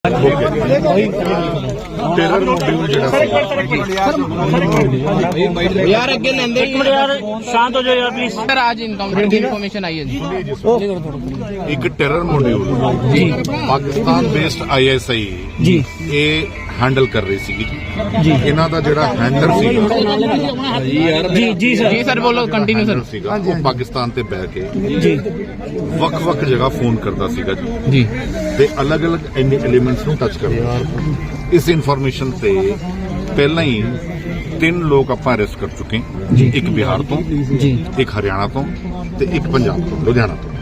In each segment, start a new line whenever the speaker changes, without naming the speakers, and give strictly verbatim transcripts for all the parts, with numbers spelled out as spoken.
Terror module
यार अगे लेंदे एक मिनट यार शांत हो जाओ यार प्लीज सर। आज इनकाउंटर की इन्फॉर्मेशन आई है जी।
एक टेरर मॉड्यूल जी Pakistan based I S I
जी
ये हैंडल कर रही सी
जी
इन्हां दा जिहड़ा हैंडलर सीगा
जी जी सर जी सर बोलो कंटिन्यू सर।
सीगा वो पाकिस्तान ते बैठ के
जी
वक-वक जगह फोन करता सीगा जी
जी
ते अलग-अलग एलिमेंट्स नूं टच करदा। इस इन्फॉर्मेशन ते पहला ही तीन लोग आपां अरेस्ट कर चुके हैं, एक बिहार तो
जी
एक हरियाणा तो ते एक पंजाब तो लुधियाना तो।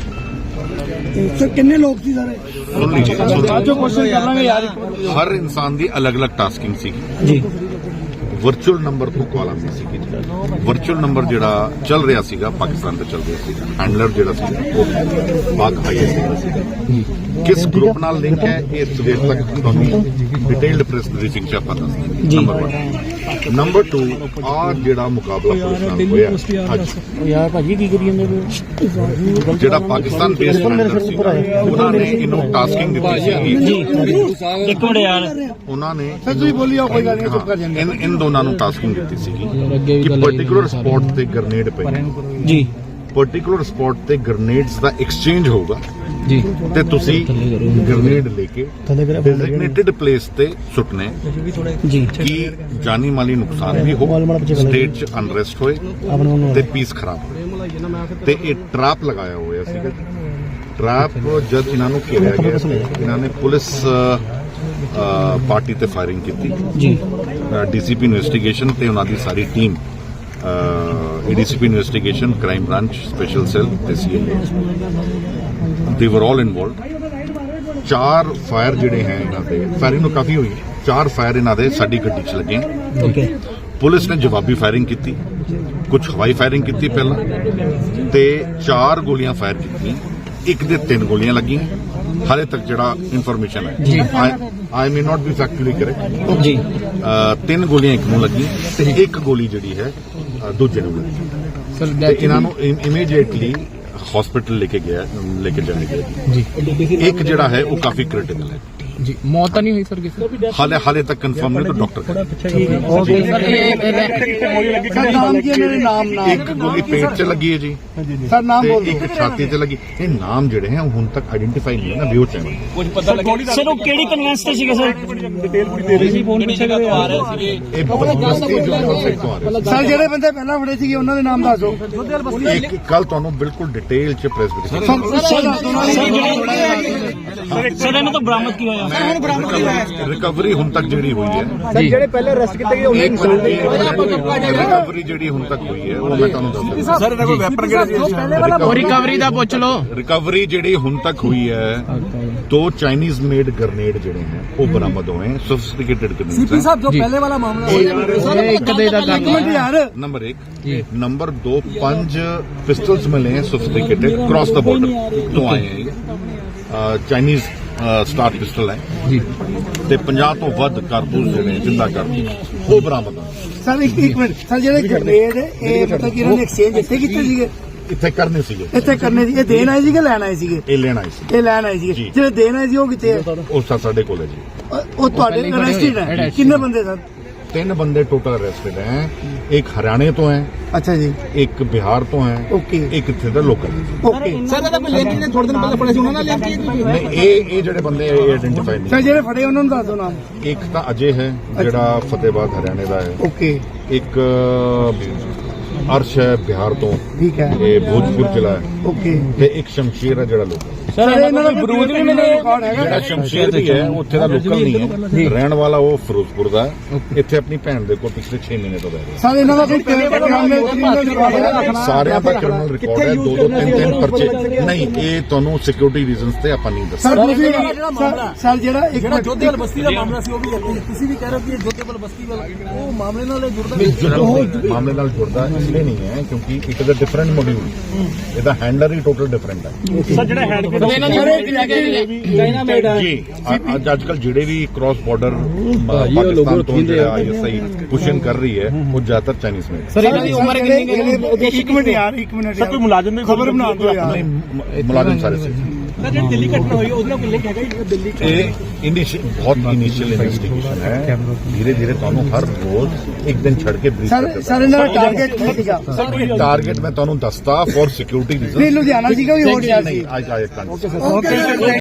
सर कितने लोग सी सारे
सुन लीजिए
जो क्वेश्चन कर लांगे यार।
हर इंसान की अलग अलग टास्किंग सी
जी
वर्चुअल नंबर तो कॉल आती सी। वर्चुअल नंबर जिहड़ा चल रहा सीगा पाकिस्तान ते चल रहा सीगा हैंडलर जिहड़ा सी वो पाक आईएस सीगा। किस ग्रुप नाल लिंक है ये सवेर तक तुहानूं डिटेल्ड प्रेस ब्रीफिंग च आपां दस देंगे। Number one. नंबर टू आ जिहड़ा मुकाबला पुलिस नाल होया अज
यार भाजी की करी ਜਾਂਦੇ
जिहड़ा पाकिस्तान बेस्ड हैंडलर सीगा उन्हां ने इन्हूं टास्किंग दित्ती सी
जी एक मिनट यार
उन्हां ने
सर तुसीं बोलियो कोई गल नहीं चुप कर जांदे।
इन इन दोनों ਨੂੰ टास्किंग ਦਿੱਤੀ ਸੀਗੀ ਕਿ ਪਾਰਟਿਕੂਲਰ ਸਪੌਟ ਤੇ ਗ੍ਰੇਨੇਡ ਪਏ
जी
ਪਾਰਟਿਕੂਲਰ ਸਪੌਟ ਤੇ ਗ੍ਰੇਨੇਡਸ ਦਾ ਐਕਸਚੇਂਜ ਹੋਊਗਾ
जी
ਤੇ ਤੁਸੀਂ ਗ੍ਰੇਨੇਡ ਲੈ ਕੇ ਡੈਜ਼ਿਗਨੇਟਿਡ ਪਲੇਸ ਤੇ ਸੁੱਟਨੇ
जी
ਕਿ ਜਾਨੀ ਮਾਲੀ ਨੁਕਸਾਨ ਵੀ ਹੋ ਸਟੇਟ 'ਚ ਅਨਰੈਸਟ ਹੋਏ ਤੇ ਪੀਸ ਖਰਾਬ ਹੋਏ ਤੇ ਇਹ ਟਰੈਪ ਲਗਾਇਆ ਹੋਇਆ ਸੀਗਾ। ਟਰੈਪ ਜਦ ਇਹਨਾਂ ਨੂੰ ਘੇਰਿਆ ਗਿਆ ਇਹਨਾਂ ਨੇ ਪੁਲਿਸ ਪਾਰਟੀ ਤੇ ਫਾਇਰਿੰਗ ਕੀਤੀ
जी
ਡੀਸੀਪੀ ਇਨਵੈਸਟੀਗੇਸ਼ਨ ਤੇ ਉਹਨਾਂ ਦੀ ਸਾਰੀ team ADCP investigation crime branch special cell ਤੇ ਸੀਐਲਏ ਦੇ ਵਰ ਆਲ ਇਨਵੋਲਵਡ। ਚਾਰ ਫਾਇਰ ਜਿਹੜੇ ਹੈ ਇਹਨਾਂ ਦੇ ਫਾਇਰਿੰਗ ਨੂੰ ਕਾਫੀ ਹੋਈ ਚਾਰ ਫਾਇਰ ਇਹਨਾਂ ਦੇ ਸਾਡੀ ਗੱਡੀ 'ਚ ਲੱਗੇ।
ओके
ਪੁਲਿਸ ਨੇ ਜਵਾਬੀ ਫਾਇਰਿੰਗ ਕੀਤੀ ਕੁਝ ਹਵਾਈ ਫਾਇਰਿੰਗ ਕੀਤੀ ਪਹਿਲਾਂ ਤੇ ਚਾਰ ਗੋਲੀਆਂ ਫਾਇਰ ਕੀਤੀਆਂ ਇੱਕ ਦੇ ਤਿੰਨ ਗੋਲੀਆਂ ਲੱਗੀਆਂ। ਹਾਲੇ ਤੱਕ ਜਿਹੜਾ ਇਨਫੋਰਮੇਸ਼ਨ ਹੈ I may not be factually correct
जी
ਤਿੰਨ ਗੋਲੀਆਂ ਇੱਕ ਨੂੰ ਲੱਗੀਆਂ ਤੇ ਇੱਕ ਗੋਲੀ ਜਿਹੜੀ ਹੈ ਦੂਜੇ ਨੂੰ ਲੱਗੀ
सर
ਤੇ ਇਹਨਾਂ ਨੂੰ ਇਮੀਡੀਏਟਲੀ ਹਸਪੀਟਲ ਲੈ ਕੇ ਗਿਆ ਲੈ ਕੇ ਜਾਇਆ ਗਿਆ।
जी
ਇੱਕ ਜਿਹੜਾ ਹੈ ਉਹ ਕਾਫੀ ਕ੍ਰਿਟੀਕਲ ਹੈ
जी मौत तो नहीं हुई सर किसी
ਹਾਲੇ ਹਾਲੇ ਤੱਕ ਕਨਫਰਮ ਨਹੀਂ ਤਾਂ ਡਾਕਟਰ
सर
सर नाम की है मेरे नाम नाम
ਇੱਕ ਗੋਲੀ ਪੇਟ 'ਚ ਲੱਗੀ ਹੈ ਜੀ
सर नाम
ਤੇ
बोल दो।
ਇੱਕ ਛਾਤੀ 'ਤੇ ਲੱਗੀ। ਇਹ ਨਾਮ ਜਿਹੜੇ ਹੈ ਹੁਣ ਤੱਕ ਆਇਡੈਂਟੀਫਾਈ ਨਹੀਂ ਹੈ ਨਾ ਵਿਊ ਚੈਨਲ
सर वो केड़ी कन्वेंस ते सीगे सर डिटेल पूरी दे रही फोन पीछे आ रहे सीगे
ਇਹ ਬਸਤੀ ਜੋ ਨੌਸੈਕ ਤੋਂ ਆ ਰਿਹਾ।
सर ਜਿਹੜੇ ਬੰਦੇ ਪਹਿਲਾਂ ਫੜੇ ਸੀਗੇ ਉਹਨਾਂ ਦੇ ਨਾਮ ਦੱਸ ਦਿਓ।
ਇੱਕ ਕੱਲ ਤੁਹਾਨੂੰ ਬਿਲਕੁਲ ਡਿਟੇਲ 'ਚ ਪ੍ਰੈਸ ਵਿੱਚ
ਸਰ ਸਰ
सर इन्हें तो बरामद किया होया
ਰਿਕਵਰੀ ਹੁਣ ਤੱਕ ਜਿਹੜੀ ਹੋਈ ਹੈ
जी
ਜਿਹੜੇ ਪਹਿਲੇ ਅਰੈਸਟ ਕੀਤੇ ਗਏ ਉਹਨਾਂ
ਰਿਕਵਰੀ ਜਿਹੜੀ ਹੁਣ ਤੱਕ ਹੋਈ ਹੈ ਉਹ ਮੈਂ ਤੁਹਾਨੂੰ ਦੱਸ ਦਿੰਦਾ।
ਸਰ ਇਹਨਾਂ ਕੋਲ ਵੈਪਨ ਕਿਹੜੇ ਸੀ
और रिकवरी दा पूछ लो
ਰਿਕਵਰੀ ਜਿਹੜੀ ਹੁਣ ਤੱਕ ਹੋਈ ਹੈ ਦੋ ਚਾਈਨੀਜ਼ ਮੇਡ ਗ੍ਰੇਨੇਡ ਜਿਹੜੇ ਹੈ ਉਹ ਬਰਾਮਦ ਹੋਏ हैं ਸੋਫਿਸਟੀਕੇਟਡ ਗ੍ਰੇਨੇਡ
ਸਾਹਿਬ ਜੋ ਪਹਿਲੇ ਵਾਲਾ ਮਾਮਲਾ
एक दे दा
ਇੱਕ ਮਿੰਟ ਯਾਰ
नंबर एक नंबर दो पांच पिस्टल्स मिले हैं सोफिस्टिकेटेड क्रॉस द बॉर्डर तो आए हैं चाइनीज स्टार पिस्टल है
जी
ਤੇ ਪੰਜਾਹ ਤੋਂ ਵੱਧ ਕਾਰਤੂਸ ਜਿਹੜੇ ਜਿੰਦਾ ਕਾਰਤੂਸ ਉਹ ਬਰਾਮਦ ਹੋਏ।
ਸਰ ਇੱਕ ਇੱਕ ਮਿੰਟ ਸਰ ਜਿਹੜੇ ਗ੍ਰੇਨੇਡ ਇਹ ਮਤਲਬ ਕਿ ਇਹਨਾਂ ਨੇ ਐਕਸਚੇਂਜ ਇੱਥੇ ਕੀਤੇ ਸੀਗੇ
ਇੱਥੇ ਕਰਨੇ ਸੀਗੇ
ਇੱਥੇ ਕਰਨੇ ਸੀ ਇਹ ਦੇਣ ਆਏ ਸੀਗੇ ਲੈਣ ਆਏ ਸੀਗੇ
ਇਹ ਲੈਣ ਆਏ ਸੀ
ਇਹ ਲੈਣ ਆਏ ਸੀਗੇ
ਜੀ।
ਜਿਹੜੇ ਦੇਣ ਆਏ ਸੀ ਉਹ ਕਿੱਥੇ ਹੈ
ਉਹ ਸਾ- ਸਾਡੇ ਕੋਲ ਹੈ ਜੀ
ਉਹ- ਉਹ ਤੁਹਾਡੇ ਅਰੈਸਟਡ ਹੈ ਕਿੰਨੇ ਬੰਦੇ ਸਰ
ਤਿੰਨ ਬੰਦੇ ਟੋਟਲ ਅਰੈਸਟਡ ਹੈ। ਇੱਕ ਹਰਿਆਣੇ ਤੋਂ ਹੈ
ਅੱਛਾ ਜੀ
ਇੱਕ ਬਿਹਾਰ ਤੋਂ ਹੈ
ਓਕੇ
ਇੱਕ ਇੱਥੇ ਦਾ ਲੋਕਲ ਹੈ।
ਓਕੇ ਸਰ ਇਹਦਾ ਕੋਈ ਲਿੰਕ ਨੇ ਥੋੜੇ ਦਿਨ ਪਹਿਲਾਂ ਫੜੇ ਸੀ ਉਹਨਾਂ ਨਾਲ ਲਿੰਕ
ਨਹੀਂ ਇਹ ਇਹ ਜਿਹੜੇ ਬੰਦੇ ਇਹ ਆਇਡੈਂਟੀਫਾਈ
ਸਰ
ਨਹੀਂ।
ਜਿਹੜੇ ਫੜੇ ਉਹਨਾਂ ਨੂੰ ਦੱਸ ਦਿਓ ਨਾਮ
ਇੱਕ ਤਾਂ ਅਜੇ ਹੈ ਜਿਹੜਾ ਫਤਿਹਬਾਦ ਹਰਿਆਣੇ ਦਾ ਹੈ।
ਓਕੇ
ਇੱਕ ਅਰਸ਼ ਹੈ ਬਿਹਾਰ ਤੋਂ
ਠੀਕ ਹੈ
ਇਹ ਭੋਜਪੁਰ ਜ਼ਿਲ੍ਹਾ ਹੈ
ਓਕੇ
ਤੇ ਇੱਕ ਸ਼ਮਸ਼ੀਰ ਹੈ ਜਿਹੜਾ ਲੋਕਲ
ਸਰ ਇਹਨਾਂ ਦਾ ਬਰੂਦ ਵੀ ਮਿਲੇ ਰਿਕਾਰਡ ਹੈਗਾ
ਜਿਹੜਾ ਸ਼ਮਸ਼ੀਰ ਵੀ ਹੈ ਉੱਥੇ ਦਾ ਲੋਕਲ ਨਹੀਂ ਹੈ ਰਹਿਣ ਵਾਲਾ ਉਹ ਫਿਰੋਜ਼ਪੁਰ ਦਾ ਹੈ। ਇੱਥੇ ਆਪਣੀ ਭੈਣ ਦੇ ਕੋਲ ਪਿਛਲੇ ਛੇ ਮਹੀਨੇ ਤੋਂ ਰਹਿ ਰਿਹਾ।
ਸਰ ਇਹਨਾਂ ਦਾ ਕੋਈ ਕ੍ਰਿਮੀਨਲ ਰਿਕਾਰਡ ਹੈਗਾ
ਸਾਰਿਆਂ ਦਾ ਕ੍ਰਿਮੀਨਲ ਰਿਕਾਰਡ ਹੈ ਦੋ ਦੋ ਤਿੰਨ ਤਿੰਨ ਪਰਚੇ ਨਹੀਂ ਇਹ ਤੁਹਾਨੂੰ ਸਿਕਿਉਰਿਟੀ ਰੀਜ਼ਨਸ ਤੇ ਆਪਾਂ ਨਹੀਂ ਦੱਸ
ਸਰ ਤੁਸੀਂ ਸਰ ਜਿਹੜਾ ਇੱਕ
ਜਿਹੜਾ ਜੋਧੇਵਾਲ ਬਸਤੀ ਦਾ ਮਾਮਲਾ ਸੀ ਉਹ ਵੀ ਇੱਥੇ ਤੁਸੀਂ ਵੀ ਕਹਿ ਰਹੇ ਹੋ ਕਿ ਇਹ ਜੋਧੇਵਾਲ ਬਸਤੀ ਵਾਲਾ ਉਹ ਮਾਮਲੇ ਨਾਲ ਇਹ ਜੁੜਦਾ
ਮਿਲਦਾ ਮਾਮਲੇ ਨਾਲ ਜੁੜਦਾ ਇਸ ਲਈ ਨਹੀਂ ਹੈ ਕਿਉਂਕਿ it is a different module ਇਹਦਾ ਹੈਂਡਲਰ ਹੀ ਟੋਟਲ ਡਿਫਰੈਂਟ ਹੈ।
सर जेड़ा हेड पे
ਚਾਈਨਾ ਮੇਡ ਹੈ
ਜੀ ਅੱਜ ਅੱਜ ਕੱਲ ਜਿਹੜੇ ਵੀ ਕ੍ਰਾਸ ਬਾਰਡਰ ਪਾਕਿਸਤਾਨ ਤੋਂ ਜਿਹੜਾ ਆਈਐਸਆਈ ਪੁਸ਼ਨ ਕਰ ਰਹੀ ਹੈ ਉਹ ਜ਼ਿਆਦਾਤਰ ਚਾਈਨੀਜ਼ ਮੇਡ।
सर इन्हां दी उम्र कितनी है
ਇੱਕ ਮਿੰਟ ਯਾਰ ਇੱਕ ਮਿੰਟ
ਸਰ ਕੋਈ ਮੁਲਾਜ਼ਮ ਦੀ
ਖਬਰ ਬਣਾ ਦਿਓ ਯਾਰ
ਨਹੀਂ ਮੁਲਾਜ਼ਮ ਸਾਰੇ ਸੀ
ਸਰ ਜਿਹੜੀ ਦਿੱਲੀ ਘਟਨਾ ਹੋਈ ਉਹਦੇ ਨਾਲ ਕੋਈ ਲਿੰਕ ਹੈਗਾ ਜੀ ਦਿੱਲੀ
ਇਹ ਇਨੀਸ਼ੀਅਲ ਬਹੁਤ ਇਨੀਸ਼ੀਅਲ ਇਨਵੈਸਟੀਗੇਸ਼ਨ ਹੈ ਧੀਰੇ ਧੀਰੇ ਤੁਹਾਨੂੰ ਹਰ ਰੋਜ਼ ਇੱਕ ਦਿਨ ਛੱਡ ਕੇ ਬਰੀਫ
ਸਰ
ਕਰਦੇ
ਸਰ ਇਹਨਾਂ ਦਾ ਟਾਰਗੇਟ ਕੀ ਸੀਗਾ
ਟਾਰਗੇਟ ਮੈਂ ਤੁਹਾਨੂੰ ਦੱਸਦਾ ਫॉर ਸਿਕਿਉਰਿਟੀ ਰੀਜ਼ਨ
ਨਹੀਂ ਲੁਧਿਆਣਾ ਸੀਗਾ ਵੀ ਹੋਰ ਸ਼ਹਿਰ ਸੀ
ਨਹੀਂ ਆਈ ਆਈ
ਓਕੇ